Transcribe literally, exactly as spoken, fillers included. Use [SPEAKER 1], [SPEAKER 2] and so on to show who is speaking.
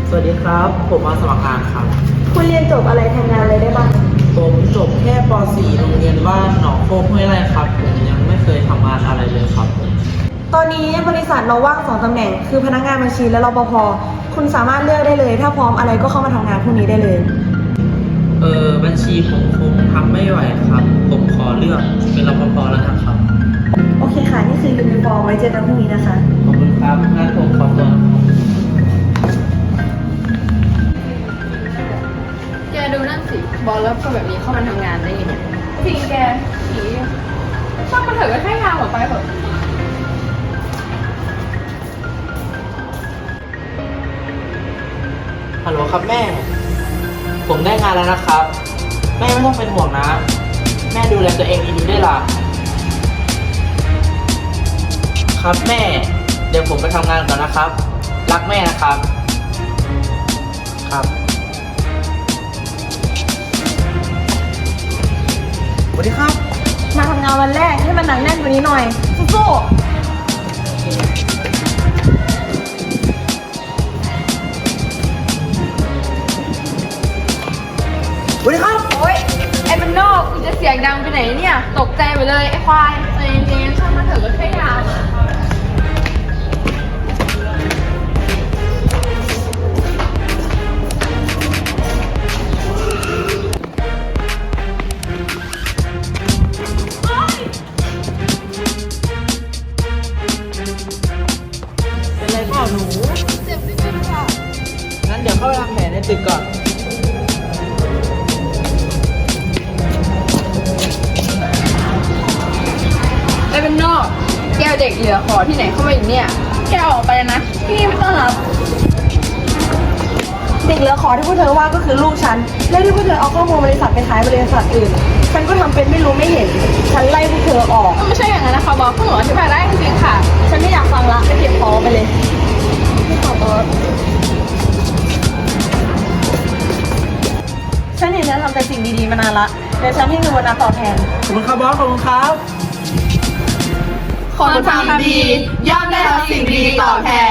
[SPEAKER 1] สวัสดีครับ ผมมาสมัครงานครับ
[SPEAKER 2] คุณเรียนจบอะไรทำงานอะไรได้บ้าง
[SPEAKER 1] ผมจบแค่ป .สี่ โรงเรียนบ้านหนองโคกห้วยไร่ครับ ผมยังไม่เคยทำงานอะไรเลยครับผม
[SPEAKER 2] ตอนนี้บริษัทเราว่างสองตำแหน่ง คือพนักงานบัญชีและรปภ คุณสามารถเลือกได้เลย ถ้าพร้อมอะไรก็เข้ามาทำงานพรุ่งนี้ได้เลย
[SPEAKER 1] เออบัญชีผมคงทำไม่ไหวครับ ผมขอเลือกเป็นรปภแล้วกันครับ
[SPEAKER 2] โอเคค่ะ นี่คือยูนิฟอร์มไว้เจอกันพรุ่งนี้นะคะ
[SPEAKER 1] ขอบคุณครับงั้นผมขอตัว
[SPEAKER 3] แกดูนั่นสิ บอลแล้วคนแบบนี้เข้ามาทำงานได้ยังไงจริงแกผีช่างมันเถอะก็แค่ทางออกไปเถอะ
[SPEAKER 1] ฮัลโหลครับแม่ ผมได้งานแล้วนะครับ แม่ไม่ต้องเป็นห่วงนะ แม่ดูแลตัวเองดีๆด้วยล่ะ ครับแม่ เดี๋ยวผมไปทำงานก่อนนะครับ รักแม่นะครับ ครับ สวัสดีครับ
[SPEAKER 2] มาทำงานวันแรกให้มันหนักแน่นกว่านี้หน่อย สู้
[SPEAKER 1] สวัสดีครับ
[SPEAKER 3] โอ๊ย ไอ้มันนอกคุณจะเสียงดังไปไหนเนี่ย ตกใจไปเลย ไอ้ควายใจเย็นๆช่างมันเถอะก็แค่ทางอะ
[SPEAKER 1] เป็นไรเปล่าหนู
[SPEAKER 3] เจ็บนิดนึงค่ะ
[SPEAKER 1] งั้นเดี๋ยวเข้าไปทำแผลในตึกก่อน
[SPEAKER 3] ไอ้เป็นนอกแกเอาเด็กเหลือขอที่ไหนเข้ามาอีกเนี่ย แกเอาออกไปนะ ที่นี่ไม่ต้อนรับ
[SPEAKER 2] ๆเด็กเหลือขอที่พวกเธอว่าก็คือลูกฉัน และที่พวกเธอเอาข้อมูลบริษัทไปขายบริษัทอื่น ฉันก็ทำเป็นไม่รู้ไม่เห็น ฉันไล่พวกเธอออก
[SPEAKER 3] มันไม่ใช่อย่างนั้นนะคะบอสคุณหมออธิบายได้จริงๆค่ะ
[SPEAKER 2] ฉันไม่อยากฟังละไปเก็บของไปเลยไม่ขอบอสฉันเห็นเธอทำแต่สิ่งดีๆมานานละเดี๋ยวฉันให้เงินโบนัสตอบแทน
[SPEAKER 1] ขอบคุณครับบอส ขอบคุณครับ
[SPEAKER 3] คนทำดีย่อมได้รับสิ่งดีตอบแทน